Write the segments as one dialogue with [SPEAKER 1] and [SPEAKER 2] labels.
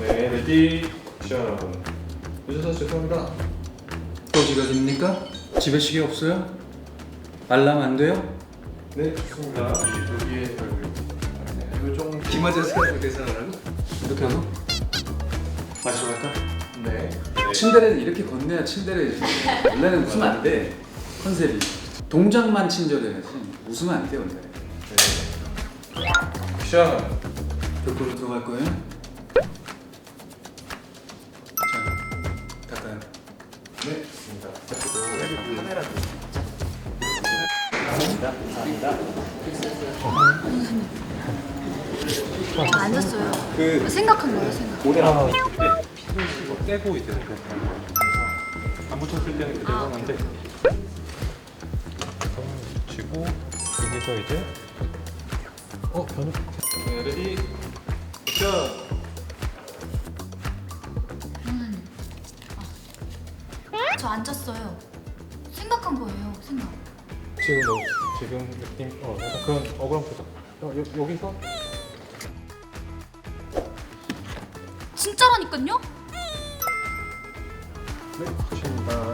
[SPEAKER 1] 네, 레디, 액션. 늦어서 죄송합니다.
[SPEAKER 2] 또 지가 됩니까? 집에 시계 없어요? 알람 안 돼요?
[SPEAKER 1] 네, 좋습니다. 여기에 요정
[SPEAKER 2] 김아저씨가 대사하라고? 이렇게 하나? 마시러 갈까?
[SPEAKER 1] 네.
[SPEAKER 2] 침대를 이렇게 건네야 침대를 원래는 웃으면 안 돼. 컨셉이 동작만 친절해야지. 웃으면 안 돼 원래.
[SPEAKER 1] 네. 액션.
[SPEAKER 2] 벽으로 들어갈 거예요? 자, 닦아요.
[SPEAKER 1] 네, 좋습니다.
[SPEAKER 3] 카메라
[SPEAKER 4] 앉았어요. 생각한 거예요, 생각.
[SPEAKER 1] 모델 안
[SPEAKER 3] 떼고 이제 안 붙였을 때는 그대로 하는데 붙이고 여기서 이제 변을
[SPEAKER 1] 네, 레디, 액션.
[SPEAKER 4] 저 앉았어요. 생각한 거예요, 생각.
[SPEAKER 3] 지금 느낌 약간 그런 억울한 표정 여기서
[SPEAKER 4] 진짜라니까요?
[SPEAKER 3] 네 붙입니다.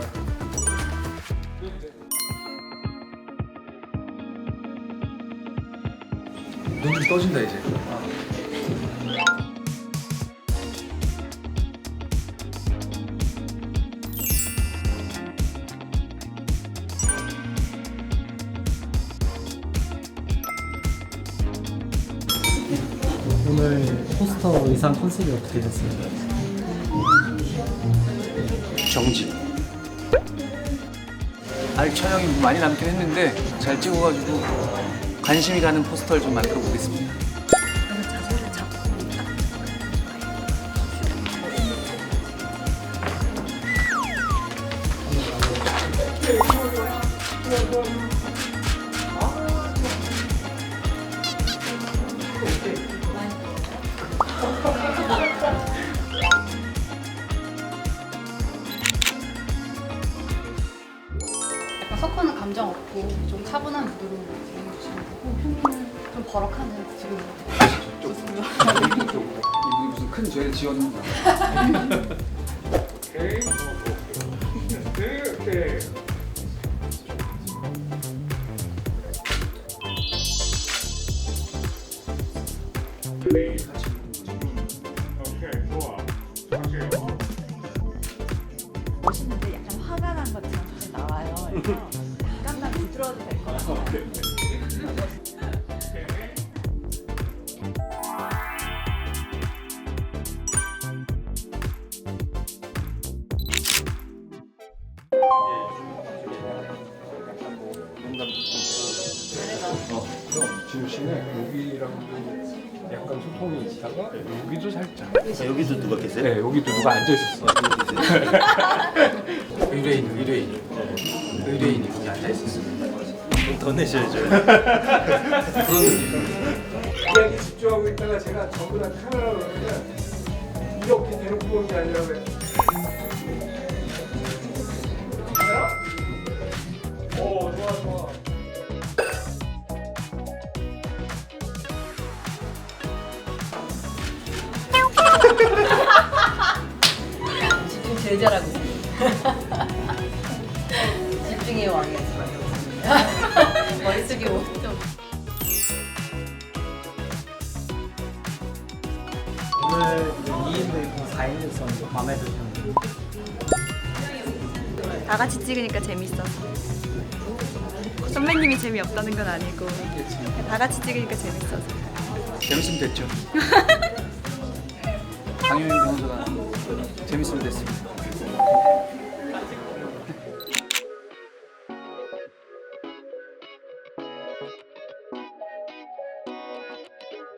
[SPEAKER 2] 눈 좀 떠진다 이제.
[SPEAKER 5] 오늘 포스터 의상 컨셉이 어떻게 됐어요?
[SPEAKER 2] 정지. 아직 촬영이 많이 남긴 했는데 잘 찍어가지고 관심이 가는 포스터를 좀 만들어 보겠습니다.
[SPEAKER 4] 그래서 자세를 잡고 딱.
[SPEAKER 6] 약간 석호는 감정 없고 좀 차분한 무드로 진행해주시면 되고 효민은 좀 버럭하는 지금
[SPEAKER 2] 이분이 무슨 큰 죄를 지었는가?
[SPEAKER 1] 오케이. 네, 오케이. 오케이, 좋아. 할게요.
[SPEAKER 7] 멋있는데 약간 화가 난 것처럼 사실 나와요. 그래서 약간만 부드러워도 될 것 같아요.
[SPEAKER 3] 그럼 지우 씨는 여기랑도 약간 소통이 있다가 여기도 살짝
[SPEAKER 8] 여기도 누가 계세요?
[SPEAKER 3] 네 여기도 누가 앉아 있었어.
[SPEAKER 2] 의뢰인이 거기 앉아 있었어요.
[SPEAKER 8] 더 내셔야죠.
[SPEAKER 9] 이야기 집중하고 있다가 제가 전부 다 카메라로 그러면 이렇게 대놓고 보는 게 아니라 왜 오, 좋아, 좋아.
[SPEAKER 7] 집중 제일 잘하고 있어요. 집중의 왕이야. 머릿속이 좀.
[SPEAKER 5] 오늘 2인도 4인도 있었는데 마음에 드셨는데
[SPEAKER 10] 다 같이 찍으니까 재밌어서. 선배님이 재미없다는 건 아니고 다 같이 찍으니까 재밌어서.
[SPEAKER 2] 재밌으면 됐죠. 강효민 변호사가 재밌으면 됐습니다.